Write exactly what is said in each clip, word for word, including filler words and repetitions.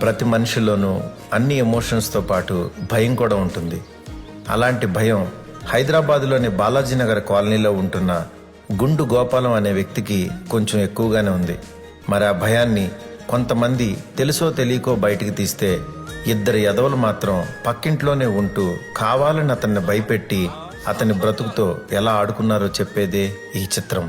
ప్రతి మనిషిలోనూ అన్ని ఎమోషన్స్తో పాటు భయం కూడా ఉంటుంది. అలాంటి భయం హైదరాబాద్లోని బాలాజీనగర్ కాలనీలో ఉంటున్న గుండు గోపాలం అనే వ్యక్తికి కొంచెం ఎక్కువగానే ఉంది. మరి ఆ భయాన్ని కొంతమంది తెలుసో తెలియకో బయటికి తీస్తే, ఇద్దరు ఎదవలు మాత్రం పక్కింట్లోనే ఉంటూ కావాలని అతన్ని భయపెట్టి అతని బ్రతుకుతో ఎలా ఆడుకున్నారో చెప్పేదే ఈ చిత్రం.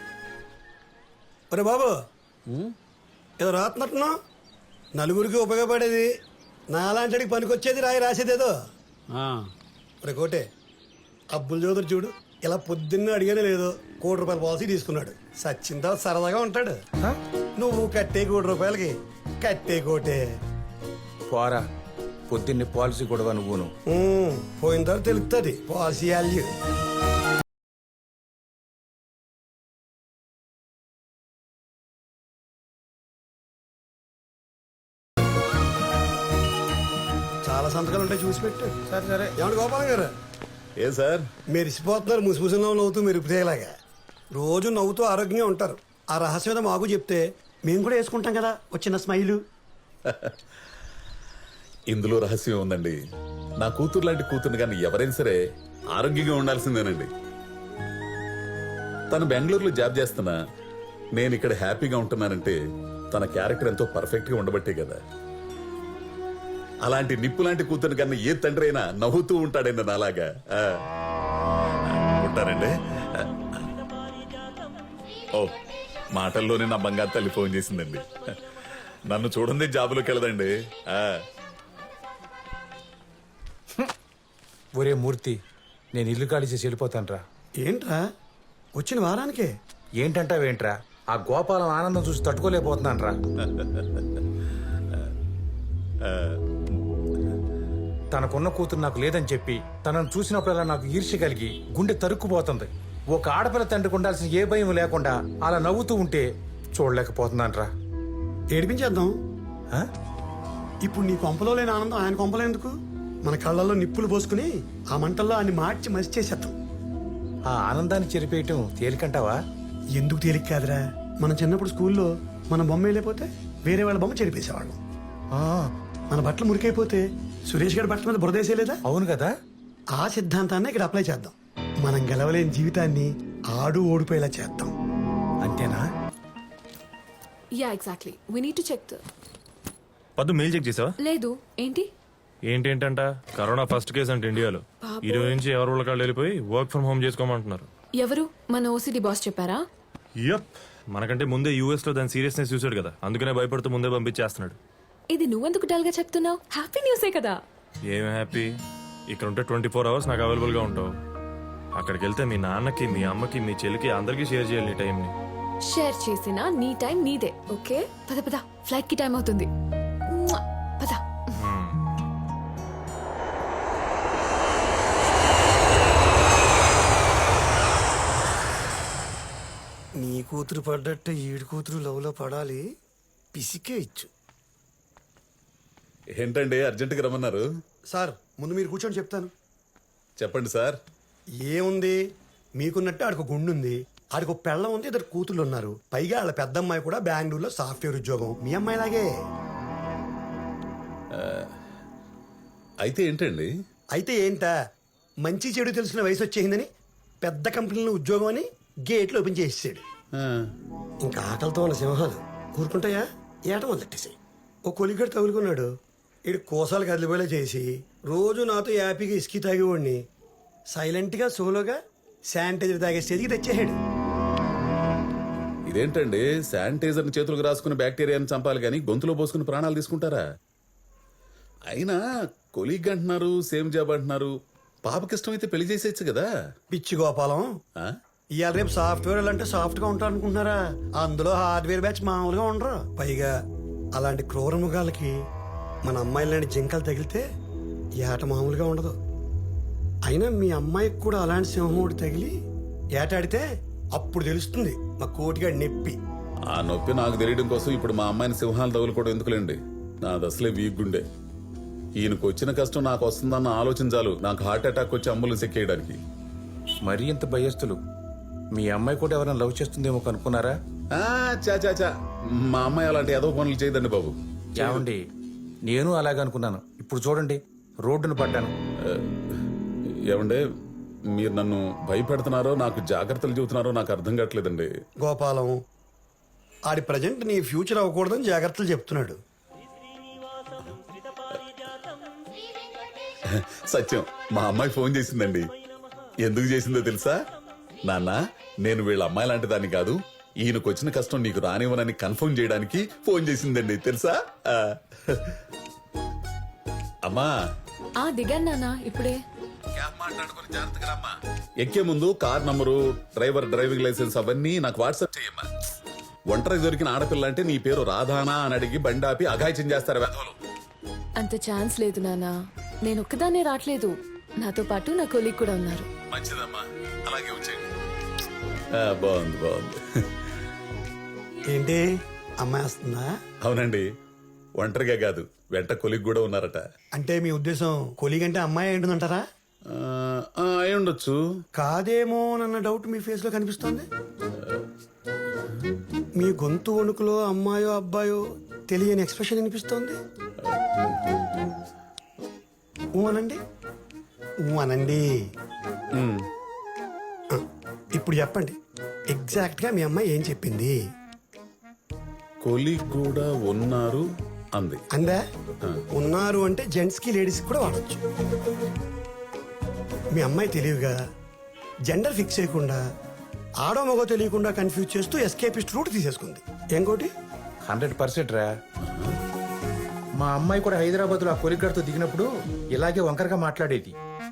ఒరే బాబు, ఏదో రాత్నట్టున్నా నలుగురికి ఉపయోగపడేది, నాలాంటికి పనికొచ్చేది రాయి రాసేదేదో. ఒరే కోటే, అబ్బుల్ చౌదరి చూడు, ఇలా పొద్దున్న అడిగానే లేదో కోటి రూపాయల పాలసీ తీసుకున్నాడు. సచ్చిన తర్వాత సరదాగా ఉంటాడు. నువ్వు కట్టే కోటి రూపాయలకి కట్టే కోటే పోరా, పొద్దున్నే పాలసీ కూడా నువ్వును. పోయిన తర్వాత తెలుస్తుంది పాలసీ వాల్యూ. చాలా సంతకాలు ఉంటాయి, చూసి పెట్టు. సరే సరే. ఏమంటే గోపాలం గారు, ఏ సార్ మెరిసిపోతున్నారు ముసిముసిలో నవ్వుతూ మెరుపుతేలాగా. రోజు నవ్వుతూ ఆరోగ్యంగా ఉంటారు. ఆ రహస్యం ఏదో మాకు చెప్తే మేము కూడా వేసుకుంటాం కదా వచ్చిన స్మైలు. ఇందులో రహస్యం ఉందండి. నా కూతురు లాంటి కూతురు కానీ ఎవరైనా సరే ఆరోగ్యంగా ఉండాల్సిందేనండి. తను బెంగళూరులో జాబ్ చేస్తున్నా నేను ఇక్కడ హ్యాపీగా ఉంటున్నానంటే తన క్యారెక్టర్ ఎంతో పర్ఫెక్ట్ గా ఉండబట్టే కదా. అలాంటి నిప్పు లాంటి కూతురు కన్నా ఏ తండ్రి అయినా నవ్వుతూ ఉంటాడండి నాలాగా. ఉంటారండి. ఓ, మాటల్లోనే నా బంగారు తల్లి ఫోన్ చేసిందండి. నన్ను చూడండి జాబులోకి వెళ్ళదండి. ఒరే మూర్తి, నేను ఇల్లు ఖాళీ చేసి వెళ్ళిపోతానురా. ఏంట్రా వచ్చిన వారానికే? ఏంటంటావేంట్రా, ఆ గోపాలం ఆనందం చూసి తట్టుకోలేకపోతున్నానురా. తనకున్న కూతురు నాకు లేదని చెప్పి తనను చూసినప్పుడల్లా నాకు ఈర్ష్య కలిగి గుండె తరుక్కుపోతుంది. ఒక ఆడపిల్ల తండ్రికి ఉండాల్సిన ఏ భయం లేకుండా అలా నవ్వుతూ ఉంటే చూడలేకపోతున్నానురా. ఏడిపించేద్దాం. ఇప్పుడు నీ కొంపలో లేని ఆనందం ఆయన కొంపలో ఎందుకు? మన కళ్ళల్లో నిప్పులు పోసుకుని ఆ మంటల్లో ఆయన మార్చి మసి చేసేద్దాం. ఆ ఆనందాన్ని చెరిపేయటం తేలికంటావా? ఎందుకు తేలిక కాదురా, మనం చిన్నప్పుడు స్కూల్లో మన బొమ్మ వెళ్ళిపోతే వేరే వాళ్ళ బొమ్మ చెరిపేసేవాళ్ళం. మన బట్టలు మురికైపోతే సురేష్ గారి బట్టల మీద బురదేసేలేదా? అవును కదా. ఆ సిద్ధాంతాన్ని ఇక్కడ అప్లై చేద్దాం. మనం గెలవలేని జీవితాన్ని ఆడు ఓడిపోయేలా చేద్దాం. అంతేనా? Yeah exactly. We need to check the పద్దు మెయిల్ చెక్ చేసావా? లేదు. ఏంటి ఏంటేంటంట కరోనా ఫస్ట్ కేసు అంటే ఇండియాలో. ఈ రోజు నుంచి ఎవరు వాళ్ళకాళ్ళు వెళ్ళిపోయి వర్క్ ఫ్రమ్ హోమ్ చేసుకోమంటున్నారు. ఎవరు? మన ఓసిడి బాస్ చెప్పారా? యప్, మనకంటే ముందే యూఎస్ లో దాని సీరియస్నెస్ చూసాడు కదా, అందుకనే భయపడుతూ ముందే పంపించేస్తున్నాడు. ఇది నువ్వెందుకు డల్ గా చెప్తున్నావు? హ్యాపీ న్యూసే కదా. ఏం హ్యాపీ? ఇక్కడ ఉంటే ట్వంటీ ఫోర్ అవర్స్ నాకు అవైలబుల్ గా ఉంటావు. అక్కడికి వెళ్తే మీ నాన్నకి, మీ అమ్మకి, మీ చెల్లికి అందరికీ షేర్ చేయాలి నీ టైంని. షేర్ చేసిన నీ టైం నీదే. ఓకే, పద పద, ఫ్లైట్ కి టైం అవుతుంది. మ్వా! పద. నీ కూతురు పడ్డట్టు ఈడు కూతురు లవ్లో పడాలి. పిసికే ఇచ్చు. ఏంటండి అర్జెంటుగా రమ్మన్నారు? సార్ ముందు మీరు కూర్చొని చెప్తాను. చెప్పండి సార్. ఏముంది, మీకున్నట్టు ఆడికి గుండు ఉంది, ఆడికి ఒక పెళ్ళం ఉంది, ఇద్దరు కూతుళ్ళు ఉన్నారు. పైగా వాళ్ళ పెద్దమ్మాయి కూడా బెంగళూరులో సాఫ్ట్వేర్ ఉద్యోగం. మీ అమ్మాయి లాగే. అయితే ఏంటండి? అయితే ఏంటా, మంచి చెడు తెలిసిన వయసు వచ్చేసిందని పెద్ద కంపెనీలో ఉద్యోగం అని గేట్లు ఓపెన్ చేసేసాడు. ఇంకా ఆకలితో ఉన్న సింహాలు ఊరుకుంటాయా? ఏట మొదలెట్టేసాయి. ఓ కొలిగడు తగులుకున్నాడు. ఇడు కోసాలు కదిలిపోయేలా చేసి రోజు నాతో యాపీగా ఇసుకి తాగేవాడిని సైలెంట్గా సోలోగా శానిటైజర్ తాగే స్టేజ్కి తెచ్చేసాడు. ఇదేంటండి, శానిటైజర్ని చేతులకు రాసుకుని బ్యాక్టీరియాని చంపాలి కానీ గొంతులో పోసుకుని ప్రాణాలు తీసుకుంటారా? అయినా కొలీగ్ అంటున్నారు, సేమ్ జాబ్ అంటున్నారు. పాపకి ఇష్టమైతే పెళ్లి చేసేయచ్చు కదా. పిచ్చి గోపాలం, ఇవాళ రేపు సాఫ్ట్వేర్ అంటే సాఫ్ట్ గా ఉంటారు అనుకుంటున్నారా? అందులో హార్డ్వేర్ బ్యాచ్ మామూలుగా ఉండరు. పైగా అలాంటి క్రూర మృగాలకి మన అమ్మాయి లాంటి జింకలు తగిలితే ఏట మామూలుగా ఉండదు. అయినా మీ అమ్మాయికి కూడా అలాంటి సింహం ఒకటి తగిలి ఏటాడితే అప్పుడు తెలుస్తుంది మా కోటిగాడి నొప్పి. ఆ నొప్పి నాకు తెలియడం కోసం ఇప్పుడు మా అమ్మాయిని సింహాలు తగులుకోవడం ఎందుకులేండి. నాది అసలే వీక్ గుండె. ఈయనకు వచ్చిన కష్టం నాకు వస్తుందన్న ఆలోచన చాలు నాకు హార్ట్ అటాక్ వచ్చి అంబులెన్స్ ఎక్కేయడానికి. మరీ ఇంత భయస్తులు. మీ అమ్మాయి కూడా ఎవరైనా లవ్ చేస్తుందేమో కనుక్కున్నారా? చా చా చా మా అమ్మాయి అలాంటి ఏదో పనులు చేయదండి బాబు. ఏమండి, నేను అలాగే అనుకున్నాను. ఇప్పుడు చూడండి, రోడ్డును పడ్డాను. ఏమండే, మీరు నన్ను భయపెడుతున్నారో నాకు జాగ్రత్తలు చెబుతున్నారో నాకు అర్థం కావట్లేదండి. గోపాలం ఆడి ప్రజెంట్ నీ ఫ్యూచర్ అవ్వకూడదని జాగ్రత్తలు చెప్తున్నాడు. సత్యం, మా అమ్మాయి ఫోన్ చేసిందండి. ఎందుకు చేసిందో తెలుసా? నాన్న, నేను వీళ్ళ అమ్మాయి లాంటి దాన్ని కాదు, ఈయనకు వచ్చిన కష్టం నీకు రానివ్వనని కన్ఫర్మ్ చేయడానికి ఫోన్ చేసిందండి, తెలుసా? ఆ. అమ్మా, ఆ దిగాను నాన్న ఇప్పుడే. ఎక్కే ముందు car number, driver driving license అవన్నీ నాకు వాట్సాప్ చేయమ్మా. ఒంటరి దొరికిన ఆడపిల్ల అంటే నీ పేరు రాధానా అని అడిగి బండాపి అఘాయిత్యం చేస్తారు వెధవలు. అంత ఛాన్స్ లేదు నాన్న. నేను ఒక్కదాన్నే రావట్లేదు, నాతో పాటు నా కొలీగ్ కూడా ఉన్నారు. మంచిదమ్మా, అలాగే వచ్చేయండి. ఆ, బాగుంది బాగుంది. ఏంటి అమ్మాయి వస్తుందా? అవునండి, ఒంటరిగా కాదు, వెంట కొలిగ్ కూడా ఉన్నారట. అంటే మీ ఉద్దేశం కొలీగ్ అంటే అమ్మాయి ఏంటుందంటారా? ఆ, ఆ, అయి ఉండొచ్చు. కాదేమో అన్న డౌట్ మీ ఫేస్ లో కనిపిస్తోంది. మీ గొంతు వణుకులో అమ్మాయో అబ్బాయో తెలియని ఎక్స్ప్రెషన్ అనిపిస్తోంది. ఊ అనండి, ఊ అనండి. ఉమ్, ఆ, ఇప్పుడు చెప్పండి, ఎగ్జాక్ట్ గా మీ అమ్మాయి ఏం చెప్పింది? కొలిగ్ కూడా ఉన్నారు అంది. అందా? ఉన్నారు అంటే జెంట్స్ కి లేడీస్ కూడా వాడచ్చు. మీ అమ్మాయి తెలివిగా జెండర్ ఫిక్స్ చేయకుండా ఆడో మగో తెలియకుండా కన్ఫ్యూజ్ చేస్తూ ఎస్కేపిస్ట్ రూట్ తీసేసుకుంది. ఇంకోటి హండ్రెడ్ పర్సెంట్ రా. మా అమ్మాయి కూడా హైదరాబాద్ లో ఆ కొలిగ్గాడితో దిగినప్పుడు ఇలాగే వంకరగా మాట్లాడేది.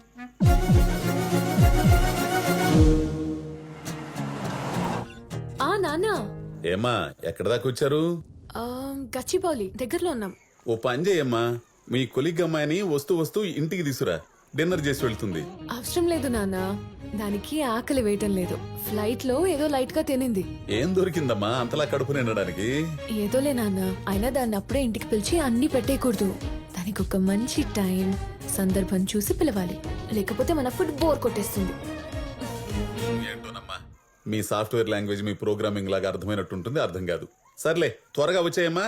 ఆ నాన్న, ఏమ్మా, ఎక్కడ దాకా వచ్చారు? ఆ, గచ్చిబౌలి దగ్గరలో ఉన్నాం. ఓ పని చేయమ్మా, మీ కొలిగ్ అమ్మాయిని వస్తూ వస్తూ ఇంటికి తీసురా, డిన్నర్ చేసి వెళ్తుంది. అవసరం లేదు నాన్న, దానికి ఆకలి వేయటం లేదు. ఫ్లైట్ లో ఏదో లైట్ గా తినింది. ఏం దొరికిందమ్మా అంతలా కడుపు నిండడానికి? ఏదోలే నాన్న, అయినా దాన్ని అప్పుడే ఇంటికి పిలిచి అన్ని పెట్టేయకూడదు. దానికి ఒక మంచి టైం సందర్భం చూసి పిలవాలి, లేకపోతే మన ఫుడ్ బోర్ కొట్టేస్తుంది. ఏంటోనమ్మా, మీ సాఫ్ట్వేర్ లాంగ్వేజ్ మీ ప్రోగ్రామింగ్ లాగా అర్థమైనట్టుంటుంది, అర్థం కాదు. సర్లే, త్వరగా వచ్చాయమ్మా.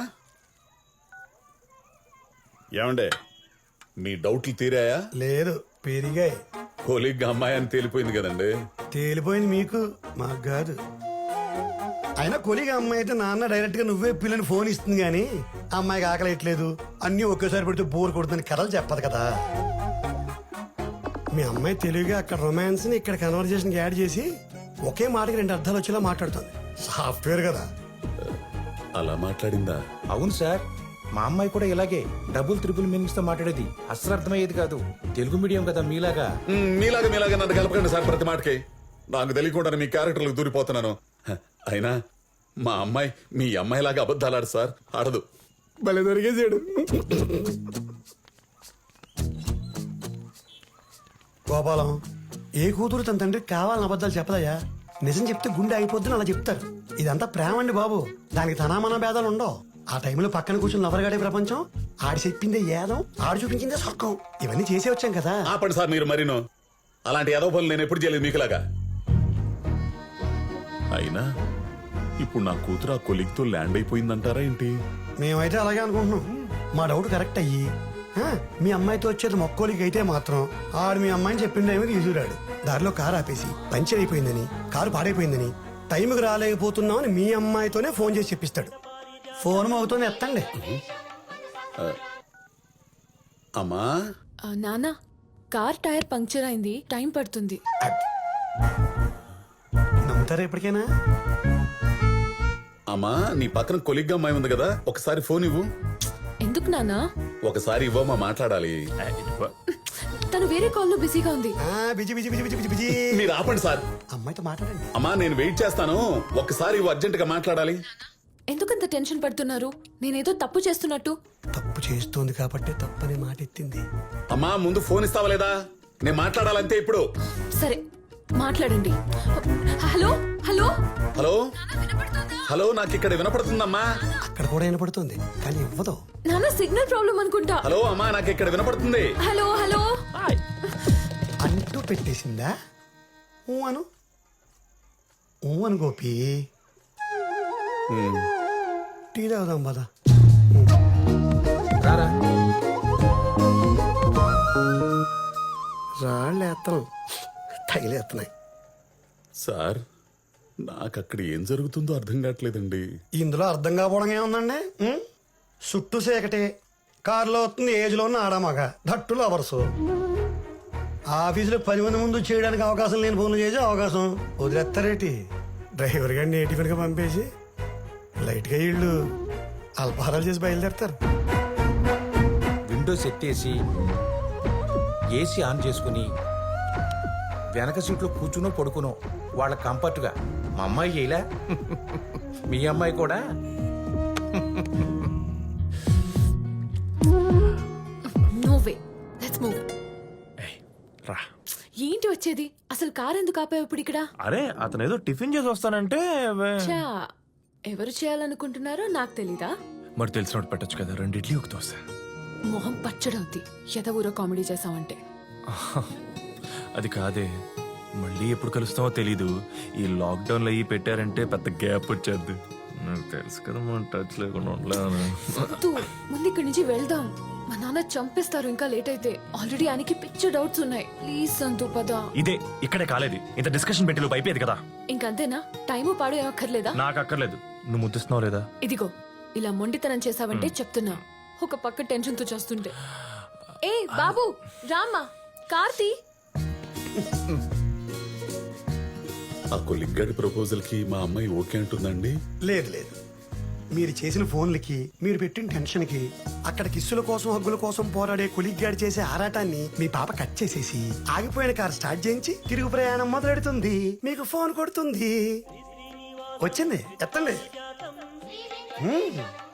ఏమండే, మీ డౌట్లు తీరాయా? లేదు, పెరిగాయి. కొలిగ్ అమ్మాయి అని తేలిపోయింది కదండి. తేలిపోయింది మీకు, మాకు కాదు. అయినా కొలిగా అమ్మాయి అయితే నాన్న డైరెక్ట్ గా నువ్వే పిల్లని ఫోన్ ఇస్తుంది కానీ అమ్మాయికి ఆకలి ఎట్లేదు అన్ని ఒకేసారి పెడితే బోర్ కొడుతుందని కథలు చెప్పదు కదా. మీ అమ్మాయి తెలివిగా అక్కడ రొమాన్స్ ని ఇక్కడ కన్వర్జేషన్ యాడ్ చేసి ఒకే మాటకి రెండు అర్థాలు వచ్చేలా మాట్లాడుతుంది. సాఫ్ట్వేర్ కదా. అలా మాట్లాడిందా? అవును సార్, మా అమ్మాయి కూడా ఇలాగే డబుల్ త్రిపుల్ మీనింగ్స్ తో మాట్లాడేది. అస్సలు అర్థమయ్యేది కాదు. తెలుగు మీడియం కదా మీలాగా. మ్, మీలాగా మీలాగా నన్ను కలపకండి సార్ ప్రతి మాటకి. నాకు తెలియకుండా మీ క్యారెక్టర్లకు దూరిపోతున్నాను. హ, అయినా మా అమ్మాయి మీ అమ్మాయిలాగా అబద్ధాలు ఆడు సార్, ఆడదు. భలే దొరికేసాడు. గోపాలం, ఏ కూతురు తన తండ్రికి కావాలని అబద్ధాలు చెప్పదయ్యా. నిజం చెప్తే గుండె అయిపోద్దని అలా చెప్తారు. ఇదంతా ప్రేమ అండి బాబు, దానికి తనామన భేదాలు ఉండవు. ఆ టైంలో పక్కన కూర్చుని నవరగాడే ప్రపంచం, ఆడి చెప్పిందే ఏదం, ఆడు చూపించిందే స్వర్గం. ఇవన్నీ చేసే వచ్చాం కదా. ఆపండి సార్ మీరు మరీను. అలాంటి ఏదో పనులు నేను ఎప్పుడు చేయలేదు మీకులాగా. అయినా ఇప్పుడు నా కూతురు ఆ కొలిగ్తో ల్యాండ్ అయిపోయిందంటారా ఏంటి? మేమైతే అలాగే అనుకుంటున్నాం. మా డౌట్ కరెక్ట్ అయ్యి ఆ, మీ అమ్మాయితో వచ్చేది మొక్కోలికి అయితే మాత్రం ఆడు మీ అమ్మాయిని చెప్పిండేమో తీసుకురాడు. దారిలో కారు ఆపేసి పంచర్ అయిపోయిందని, కారు పాడైపోయిందని, టైంకి రాలేకపోతున్నామని మీ అమ్మాయితోనే ఫోన్ చేసి చెప్పిస్తాడు. ఫోన్ అవుతూనే ఎత్తండి. అమ్మా, ఆ, నాన్న, కార్ టైర్ పంక్చర్ అయింది, టైం పడుతుంది. నమ్ముతారా ఎప్పటికైనా? అమ్మా, నీ పక్కన కొలిగ్గా అమ్మాయి ఉంది కదా, ఒకసారి ఫోన్ ఇవ్వు. ఎందుకు నాన్న? ఒకసారి ఇవ్వమ్మా, మాట్లాడాలి. తను వేరే కాల్ లో బిజీగా ఉంది. ఆ, busy busy busy busy busy. మీరు ఆపండి సార్. అమ్మాయితో మాట్లాడండి. అమ్మా, నేను వెయిట్ చేస్తాను, ఒక్కసారి ఇవ్వు, అర్జెంట్ గా మాట్లాడాలి. ఎందుకంత టెన్షన్ పడుతున్నారు? నేనేదో తప్పు చేస్తున్నట్టు. తప్పు చేస్తోంది కాబట్టి తప్పని మాట ఎత్తింది. అమ్మా, ముందు ఫోన్ ఇస్తావా లేదా? నేను మాట్లాడాలంతే ఇప్పుడు. సరే, మాట్లాడండి. హలో హలో హలో హలో, నాకు ఇక్కడ వినపడుతుందమ్మా. అక్కడ కూడా వినపడుతుంది కానీ ఇవ్వదు. నాన్న, సిగ్నల్ ప్రాబ్లం అనుకుంటా. హలో అమ్మా, నాకు ఇక్కడ వినపడుతుంది. హలో హలో అంటూ పెట్టేసిందా? ఊ అను, ఊ అను గోపి. టీ తాగుదాం పద. రారా. చేస్తాను తగిలేస్తున్నాయి. సార్ నాకు అక్కడ ఏం జరుగుతుందో అర్థం కావట్లేదండి. ఇందులో అర్థం కాకపోవడం ఏముందండి? ఉం? చుట్టూ సేకటి కారులో వస్తుంది ఏజ్లో ఉన్న ఆడమగ ధట్టులు అవర్సు ఆఫీసులో పది మంది ముందు చేయడానికి అవకాశం లేని ఫోన్లు చేసే అవకాశం వదిలేస్తారేటి? డ్రైవర్ గారిని నేటిఫిన్గా పంపేసి లైట్గా ఇళ్ళు అల్పహారాలు చేసి బయలుదేరతారు. విండోస్ ఎత్తేసి ఏసీ ఆన్ చేసుకుని వెనక సీట్లో కూర్చునో పడుకునో వాళ్ళ కంఫర్ట్గా మా అమ్మాయి చేయలే మీ అమ్మాయి కూడా నో వే, లెట్స్ మూవ్. ఏయ్, రా. ఏంటి వచ్చేది? అసలు కార్ ఎందుకు ఆపావు ఇప్పుడు ఇక్కడ? అరే అతను ఏదో టిఫిన్ చేసి వస్తానంటే వే- చా, ఎవరు చేయాలనుకుంటున్నారో నాకు తెలీదా? మరి తెలిసినట్టు పెట్టచ్చు కదా, రెండు ఇడ్లీ ఒక దోశ. మొహం పచ్చడవుద్ది ఎద ఊరో కామెడీ చేసావంటే. అది కాదే, మళ్ళీ ఎప్పుడు కలుస్తామో తెలీదు. ఈ లాక్డౌన్ లో అయ్యి పెట్టారంటే పెద్ద గ్యాప్ వచ్చేది. నాకు తెలుసు కదా మనం టచ్ లేకుండా ఉండలేను. వద్దు, ముందు ఇక్కడి నుంచి వెళ్దాం. మా నాన్న చంపేస్తారు ఇంకా లేట్ అయితే. ఆల్రెడీ ఆయనకి పిచ్చ డౌట్స్ ఉన్నాయి. ప్లీజ్ సంతు పద. ఇదే ఇక్కడే కాలేదు, ఇంత డిస్కషన్ పెట్టి లోపు అయిపోయేది కదా. ఇంకంతేనా? టైము పాడు ఏమక్కర్లేదా? నాకు అక్కర్లేదు. నువ్వు ముద్దిస్తున్నావు లేదా? ఇదిగో ఇలా మొండితనం చేసావంటే చెప్తున్నా. ఒక పక్క టెన్షన్ తో చేస్తుంటే. ఏ బాబు రామ్మా, కార్తీ. ఆ కొలిగ్గాడి ప్రపోజల్ కి మా అమ్మాయి ఓకే అంటుందండి. లేదు లేదు, మీరు చేసిన ఫోన్లకి మీరు పెట్టిన టెన్షన్కి అక్కడ కిస్సుల కోసం హగ్గుల కోసం పోరాడే కొలిగ్గాడి చేసే ఆరాటాన్ని మీ పాప కట్ చేసేసి ఆగిపోయిన కార్ స్టార్ట్ చేయించి తిరుగు ప్రయాణం మొదలెడుతుంది. మీకు ఫోన్ కొడుతుంది. వచ్చింది, ఎత్తండి. హ్మ్.